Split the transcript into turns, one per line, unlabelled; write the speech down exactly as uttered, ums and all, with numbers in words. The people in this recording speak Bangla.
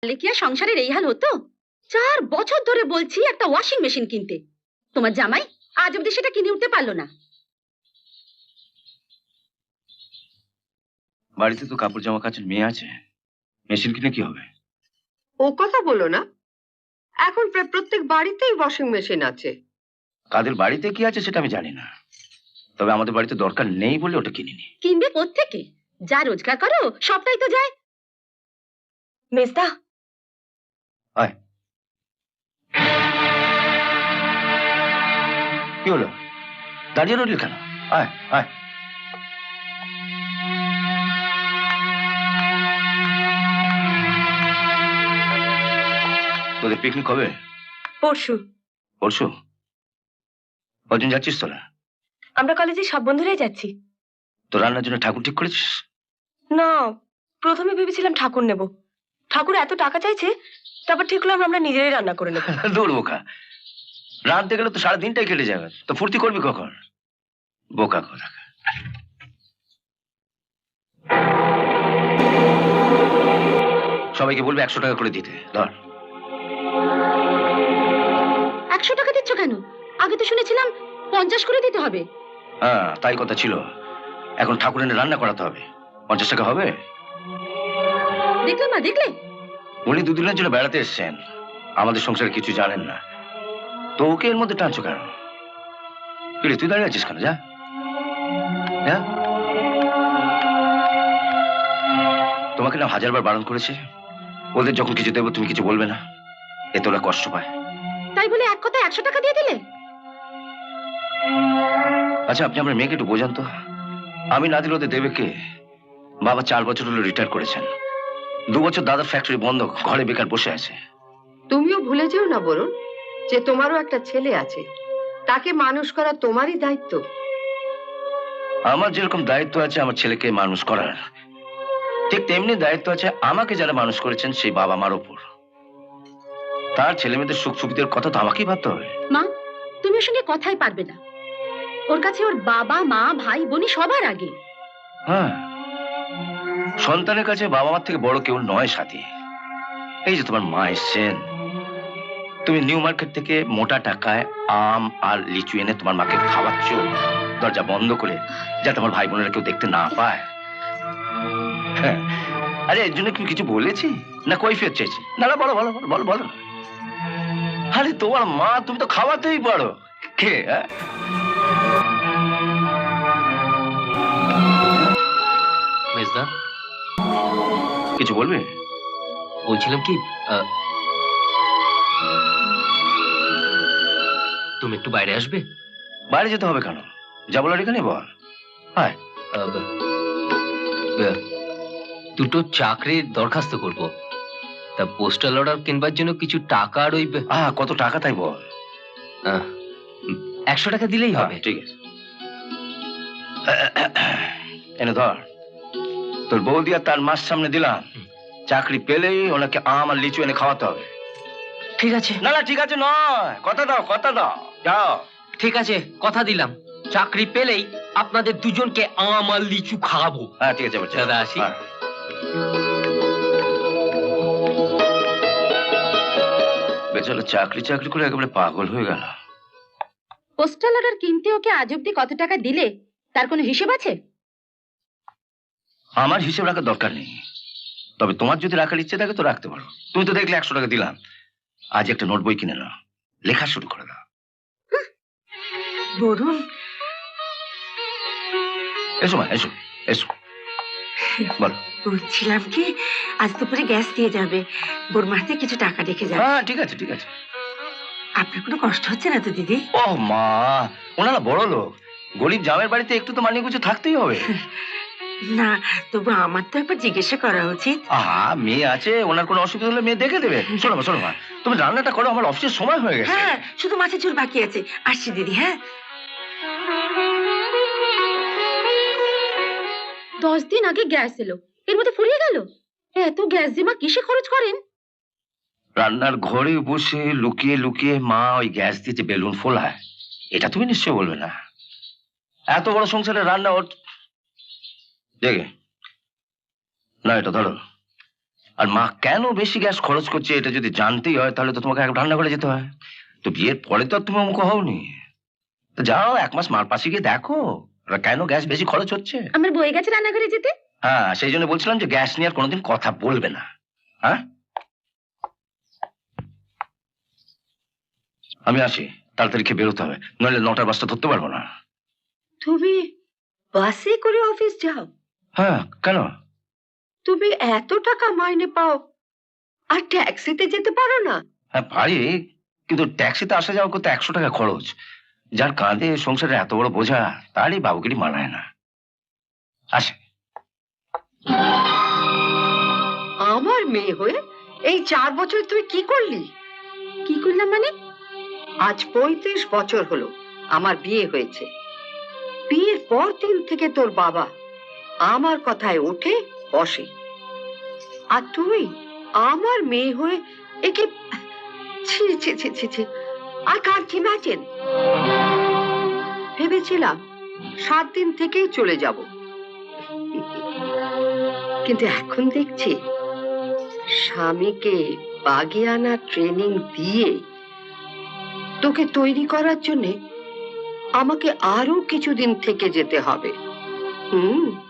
কি আর সংসারের এই হাল হতো? চার বছর ধরে বলছি একটা ওয়াশিং মেশিন কিনতে, তোমার জামাই আজ অব্দি সেটা কিনে উঠতে পারলো না।
বাড়িতে তো কাপড় জামা কাচের মেয়ে আছে, মেশিন কিনে কি হবে?
ও কথা বলো না, এখন প্রায় প্রত্যেক বাড়িতেই ওয়াশিং মেশিন আছে।
কাদের বাড়িতে কি আছে সেটা আমি জানি না, তবে আমাদের বাড়িতে দরকার নেই বলে ওটা কিনিনি।
কিনবে কোত্থেকে? যা রোজগার করো সবটাই তো যায়। মেজদা,
আয়। কি হলো, দাঁড়িয়ে রইলি কেন? আয় আয়। তোদের পিকনিক কবে?
পরশু।
পরশু? কজন যাচ্ছিস তোরা?
আমরা কলেজে সব বন্ধুরাই যাচ্ছি।
তো রান্নার জন্য ঠাকুর ঠিক করেছিস?
না, প্রথমে ভেবেছিলাম ঠাকুর নেব, ঠাকুর এত টাকা চাইছে, তারপর ঠিক হলাম আমরা নিজেরাই রান্না করে নেব।
দূর বোকা, রাঁধতে গেলে তো সারা দিনটাই কেটে যাবে, তো ফুর্তি করবি কখন? বোকা কথা। সবাইকে বলবে একশো টাকা করে দিতে। ধর।
একশো টাকা দিচ্ছ কেন? আগে তো শুনেছিলাম পঞ্চাশ করে দিতে হবে।
হ্যাঁ তাই কথা ছিল, এখন ঠাকুর এনে রান্না করাতে হবে, পঞ্চাশ টাকা হবে?
দেখলে মা, দেখলে
উনি দুদিনের জন্য বেড়াতে এসছেন, আমাদের সংসারে কিছু জানেন না, তো ওকে এর মধ্যে টানছো কেন? কিরে তুই দাঁড়িয়ে আছিস কেন? যা যা। তোমাকে না হাজারবার বারণ করেছে, ওদের যখন কিছু দেবো তুমি কিছু বলবে না, এতে ওরা কষ্ট পায়।
তাই বলে এক কথায় একশো টাকা দিয়ে দিলে?
আচ্ছা আপনি আমার মেয়েকে একটু বোঝান তো, আমি না দিলে ওদের দেবে কে? বাবা চার বছর হলো রিটায়ার করেছেন, দু বছর দাদার ফ্যাক্টরি বন্ধ, ঘরে বেকার বসে আছে।
তুমিও ভুলে যেও না বরুণ, যে তোমারও একটা ছেলে আছে, তাকে মানুষ করা তোমারই দায়িত্ব।
আমার যেরকম দায়িত্ব আছে আমার ছেলেকে মানুষ করার, ঠিক তেমনি দায়িত্ব আছে আমাকে যারা মানুষ করেছেন সেই বাবা মার উপর। তার ছেলে মেয়েদের সুখ সুবিধার কথা তো আমাকেই ভাবতে হবে।
মা, তুমি ওর সঙ্গে কথাই পারবে না, ওর কাছে ওর বাবা মা ভাই বোনই সবার আগে।
হ্যাঁ, সন্তানের কাছে বাবা মার থেকে বড় কেউ নয় সাথী। এই যে তোমার মা এসছেন, তুমি নিউ মার্কেট থেকে মোটা টাকায় আম আর লিচু এনে তোমার মাকে খাওয়াচ্ছ, দরজা বন্ধ করে, যাতে আমার ভাই বোনেরা কেউ দেখতে না পায়। হ্যাঁ, আরে এর জন্য কি কিছু বলেছি না কৈফিয়ত চাইছি? না না, বলো বলো বলো বলো। আরে তোমার মা, তুমি তো খাওয়াতেই পারো। কে?
মেজদা,
কিছু বলবে?
বলছিলাম কি, তুমি একটু বাইরে আসবে?
বাইরে যেতে হবে কেন? যা বলার এখানে বল। হ্যাঁ,
দুটো চাকরির দরখাস্ত করব, তা পোস্টাল অর্ডার কিনবার জন্য কিছু টাকা আর ওই
আহ কত টাকা তাই বল?
একশো টাকা দিলেই হবে।
ঠিক আছে, এনে ধর। তোর বৌদি আর তার মাস সামনে দিলাম, চাকরি পেলেই ওনাকে আম আর লিচু এনে খাওয়াতে হবে।
ঠিক আছে।
না না ঠিক আছে নয়, কথা দাও কথা দাও, যাও।
ঠিক আছে, কথা দিলাম, চাকরি পেলেই আপনাদের দুজনকে আম আর লিচু খাওয়াবো।
হ্যাঁ ঠিক আছে বাচ্চা,
দাদা আসি।
বেচারা চাকরি চাকরি করে একেবারে পাগল হয়ে গেল।
পোস্টাল অর্ডার কিনতে ওকে আজ অব্দি কত টাকা দিলে তার কোনো হিসেব আছে?
আমার হিসেব রাখার দরকার নেই, তবে তোমার যদি রাখার ইচ্ছে থাকে তো রাখতে পারো। তুমি তো দেখলে একশো টাকা দিলাম, আজ একটা নোট বই কিনে নাও, লেখা শুরু করে দাও।
বরুণ,
এসো মা এসো এসো, বলো।
বলছিলাম কি, আজ দুপুরে গ্যাস দিয়ে যাবে, বোরমাতে কিছু টাকা রেখে যাবে।
হ্যাঁ ঠিক আছে ঠিক আছে।
আপনার কোনো কষ্ট হচ্ছে না তো দিদি?
ও মা, ওনারা বড় লোক, গরিব জামের বাড়িতে একটু তো মানিয়ে গুছিয়ে থাকতেই হবে।
না, তবু আমার তো একবার জিজ্ঞাসা করা উচিত।
আহা, মেয়ে আছে, ওনার কোনো অসুবিধা হলে মেয়ে দেখে দেবে। শোনো মা শোনো মা, তুমি রান্নাটা করো, আমার অফিসের সময় হয়ে গেছে।
হ্যাঁ, শুধু মাছের ঝোল বাকি আছে, আসছি দিদি। হ্যাঁ,
দশ দিন আগে গ্যাস এলো, এর মধ্যে ফুরিয়ে গেল। এত গ্যাস যে মা কিসে খরচ করেন?
রান্নার ঘরে বসে লুকিয়ে লুকিয়ে মা ওই গ্যাস দিয়ে যে বেলুন ফোলায়, এটা তুমি নিশ্চয় বলবে না। এত বড় সংসারে রান্না ওর জেগে না, এটা ধরো আর মা কেন বেশি গ্যাস খরচ করছে এটা যদি জানতেই হয় তাহলে তো তোমাকে এক রান্না করে যেতে হয়। তো বিয়ের পরে তো আর তুমি অমুক হওনি। তো যাও এক মাস মার পাশে গিয়ে দেখো ওরা কেন গ্যাস বেশি খরচ হচ্ছে।
আমার বই গেছে রান্নাঘরে যেতে।
হ্যাঁ, সেই জন্য বলছিলাম যে গ্যাস নিয়ে আর কোনোদিন কথা বলবে না। হ্যাঁ, আমি আসি, তাড়াতাড়ি খেয়ে বেরোতে হবে, নইলে নটার বাসটা ধরতে পারবো না।
তুমি বাসে করে অফিস যাও?
হ্যাঁ, কেন?
তুমি এত টাকা মাইনে পাও আর ট্যাক্সিতে যেতে পারো না?
হ্যাঁ পারি, কিন্তু ট্যাক্সিতে আসা যাওয়া করতে একশো টাকা খরচ। যার কাঁধে সংসারে এত বড় বোঝা তারই বাবুগিরি মানায় না। আসে।
আমার মেয়ে হয়ে এই চার বছর তুই কি করলি?
কি করলাম মানে?
আজ পঁয়ত্রিশ বছর হলো আমার বিয়ে হয়েছে। বিয়ের পর দিন থেকে তোর বাবা আমার কথায় ওঠে বসে, আর তুই আমার মেয়ে হয়ে একে ছি ছি ছি ছি ছি আই কান্ট ইমাজিন। ভেবেছিলাম সাত দিন থেকেই চলে যাব, কিন্তু এখন দেখছি স্বামীকে বাগিয়ানা ট্রেনিং দিয়ে তোকে তৈরি করার জন্য আমাকে আরো কিছুদিন থেকে যেতে হবে। হুম